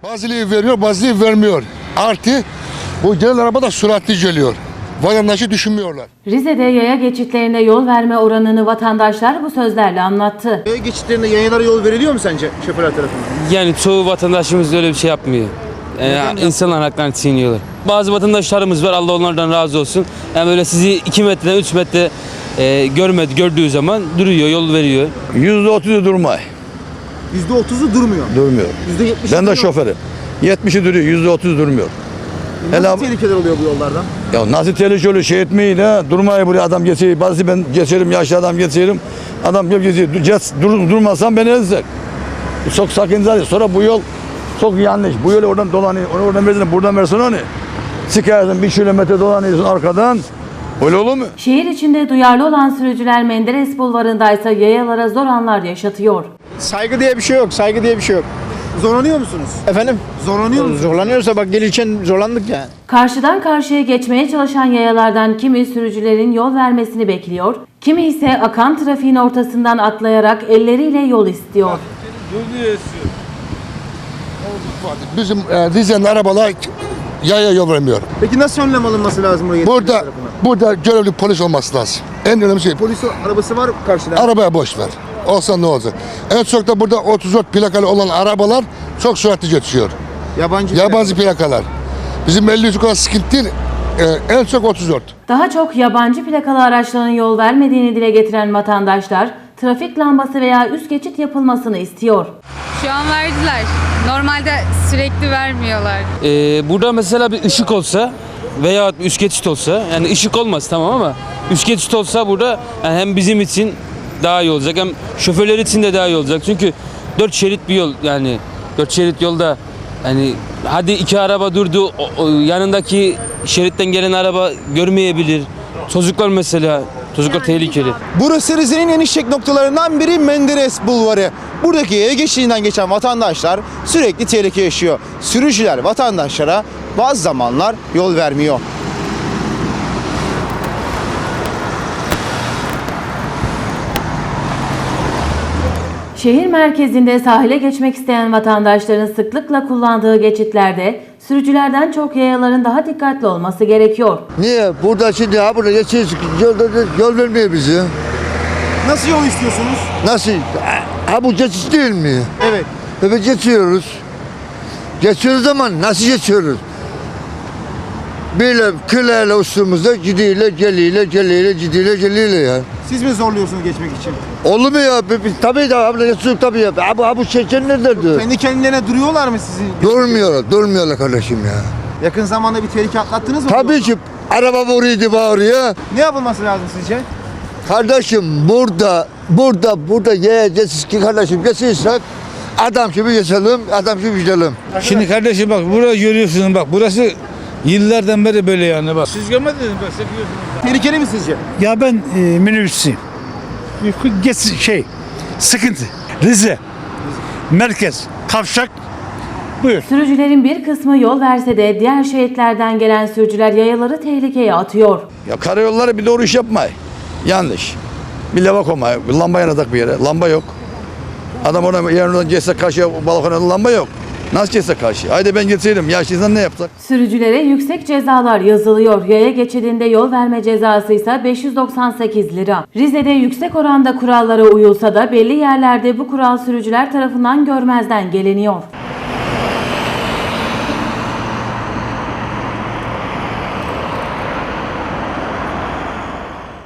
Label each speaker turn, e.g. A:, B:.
A: Bazıları veriyor, bazıları vermiyor. Artı bu gelen araba da süratli geliyor. Vatandaşı düşünmüyorlar.
B: Rize'de yaya geçitlerinde yol verme oranını vatandaşlar bu sözlerle anlattı.
C: Yaya geçitlerinde yayalara yol veriliyor mu sence şoförler tarafından?
D: Yani çoğu vatandaşımız öyle bir şey yapmıyor. İnsanlar haklarını çiğniyorlar. Bazı vatandaşlarımız var, Allah onlardan razı olsun. Yani böyle sizi 2 metre, 3 metre gördüğü zaman duruyor, yol veriyor.
E: %30'u durmay.
C: %30'u durmuyor.
E: Durmuyor.
C: %70'i
E: Ben de
C: duruyor.
E: şoförüm. 70'i duruyor, %30 durmuyor.
C: Nasıl tehlikeler oluyor bu yollardan?
E: Ya nasıl tehlikeli şey etmeyin ha. Durmayı buraya adam geçiyor. Bazı ben geçerim, yaşlı adam geçerim. Adam gelip geçiyor. Durmasam beni ezecek. Çok sakıncalı. Sonra bu yol çok yanlış. Bu yolu oradan dolanıyor. Onu oradan versin, buradan versin onu. Sıkarsın 1 kilometre dolanıyorsun arkadan. Öyle olur mu?
B: Şehir içinde duyarlı olan sürücüler Menderes Bulvarı'ndaysa yayalara zor anlar yaşatıyor.
F: Saygı diye bir şey yok, saygı diye bir şey yok.
C: Zorlanıyor musunuz?
F: Efendim?
C: Zorlanıyor musunuz?
F: Zorlanıyorsa bak gelirken zorlandık yani.
B: Karşıdan karşıya geçmeye çalışan yayalardan kimi sürücülerin yol vermesini bekliyor, kimi ise akan trafiğin ortasından atlayarak elleriyle yol istiyor.
A: Bizim Rize'nin arabalar yaya yol vermiyor.
C: Peki nasıl önlem alınması lazım buraya?
A: Burada görevli polis olması lazım. En önemli şey.
C: Polis arabası var karşıda.
A: Arabaya boş ver. Olsa ne olacak? En çok da burada 34 plakalı olan arabalar çok süratli geçiyor. Yabancı plakalar. Bizim 53 kadar sıkıntı değil. En çok 34.
B: Daha çok yabancı plakalı araçların yol vermediğini dile getiren vatandaşlar, trafik lambası veya üst geçit yapılmasını istiyor.
G: Şu an verdiler. Normalde sürekli vermiyorlar.
D: Burada mesela bir ışık olsa veya bir üst geçit olsa, yani ışık olmaz tamam ama üst geçit olsa burada yani hem bizim için daha iyi olacak hem şoförler için de daha iyi olacak. Çünkü 4 şerit bir yol, yani 4 şerit yolda yani hadi 2 araba durdu, yanındaki şeritten gelen araba görmeyebilir. Çocuklar mesela, çocuklar tehlikeli.
C: Burası Rize'nin en işlek noktalarından biri Menderes Bulvarı. Buradaki yaya geçidinden geçen vatandaşlar sürekli tehlike yaşıyor. Sürücüler vatandaşlara bazı zamanlar yol vermiyor.
B: Şehir merkezinde sahile geçmek isteyen vatandaşların sıklıkla kullandığı geçitlerde sürücülerden çok yayaların daha dikkatli olması gerekiyor.
H: Niye? Burada şimdi burada geçiyoruz, yol vermiyor bizi.
C: Nasıl yol istiyorsunuz?
H: Nasıl? Ha bu geçiş değil mi?
C: Evet.
H: Evet geçiyoruz. Geçiyoruz ama nasıl geçiyoruz? Böyle kılayla üstümüzde gidiyle geliyle ya.
C: Siz mi zorluyorsunuz geçmek için?
H: Olur mu ya? Tabii de abla geçiyoruz tabii ya. Bu çeken nerededir?
C: Kendi kendilerine duruyorlar mı sizi?
H: Durmuyorlar kardeşim ya.
C: Yakın zamanda bir tehlike atlattınız mı?
H: Tabii ki araba vuruyordu bağırıyor.
C: Ne yapılması lazım sizce?
H: Kardeşim burada yiyeceğiz ki kardeşim geçirsek adam gibi geçelim, adam gibi gidelim.
I: Şimdi kardeşim bak burada görüyorsunuz bak burası yıllardan beri böyle yani bak. Siz görmediniz bak siz biliyorsunuz.
C: Tehlikeli mi sizce?
J: Ya ben minibüsçüyüm. Sıkıntı. Rize. Merkez. Kavşak. Buyur.
B: Sürücülerin bir kısmı yol verse de diğer şehitlerden gelen sürücüler yayaları tehlikeye atıyor.
E: Ya karayolları bir doğru iş yapmay. Yanlış. Bir lava koymay. Bir lamba yanacak bir yere. Lamba yok. Adam ona yanından geçse karşıya balkona lamba yok. Nasıl geçse karşı? Haydi ben geçseydim. Yaşlıysan ne yapsak?
B: Sürücülere yüksek cezalar yazılıyor. Yaya geçidinde yol verme cezası ise 598 lira. Rize'de yüksek oranda kurallara uyulsa da belli yerlerde bu kural sürücüler tarafından görmezden geliniyor.